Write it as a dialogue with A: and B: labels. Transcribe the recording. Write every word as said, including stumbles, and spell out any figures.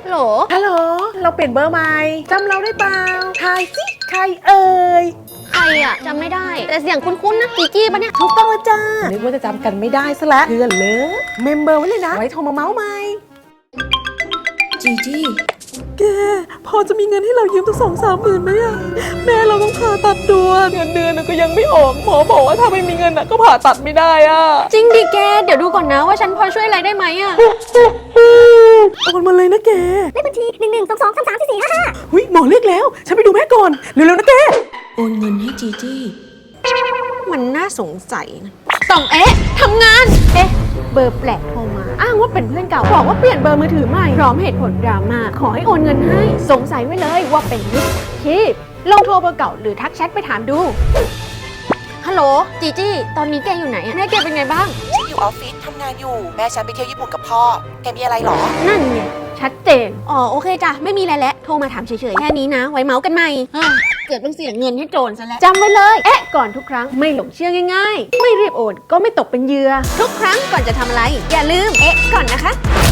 A: ฮัลโหล
B: ฮัลโหลเราเปลี่ยนเบอร์ใหม่จำเราได้เปล่าทายสิใครเอ่ย
A: ใครอะจำไม่ได้แต่เสียงคุ้นๆนะจีจี้ปะเนี่ย
B: ถูกต้องแล้วจ้านึกว่าจะจำกันไม่ได้ซะแล้วเพื่อนเลยเมมเบอร์ไว้เลยนะไว้โทรมาเมาส์ใหม่จีจี้แกพอจะมีเงินให้เรายืมตั้งสองสามหมื่นไหมอะแม่เราต้องผ่าตัดด่วนเงินเดือนก็ยังไม่ออกหมอบอกว่าถ้าไม่มีเงินก็ผ่าตัดไม่ได้อะ
A: จริงดิแกเดี๋ยวดูก่อนนะว่าฉันพอช่วยอะไรได้ไหมอะ
B: โอนมาเลยนะแก
C: เลขบัญชีหนึ่งหนึ่งสองสองสามสามสี่สี่ห้าห้า
B: หุ้ยหมอเรียกแล้วฉันไปดูแม่ก่อนเร็วๆนะแกโอนเงินให้จีจี้มันน่าสงสัยนะ
A: ต้องเอ๊ะทำงานเอ๊ะเบอร์แปลกโทรมาอ้างว่าเป็นเพื่อนเก่าบอกว่าเปลี่ยนเบอร์มือถือใหม่พร้อมเหตุผลดราม่าขอให้โอนเงินให้สงสัยไว้เลยว่าเป็นมิจฉาชีพลองโทรเบอร์เก่าหรือทักแชทไปถามดูฮัลโหลจีจี้ตอนนี้แกอยู่ไหนอะแม่แกเป็นไงบ้าง
D: ฉันอยู่ออฟฟิศทำงานอยู่แม่ฉันไปเที่ยวญี่ปุ่นกับพ่อแกมีอะไรหรอ
A: นั่นไงชัดเจนอ๋อโอเคจ้ะไม่มีอะไรแล้วโทรมาถามเฉยๆแค่นี้นะไว้เมาส์กันใหม่เกิดต้องเสียเงินให้โจรซะแล้วจำไว้เลยเอ๊ะก่อนทุกครั้งไม่หลงเชื่อง่ายๆไม่รีบโอนก็ไม่ตกเป็นเหยื่อทุกครั้งก่อนจะทำอะไรอย่าลืมเอ๊ะก่อนนะคะ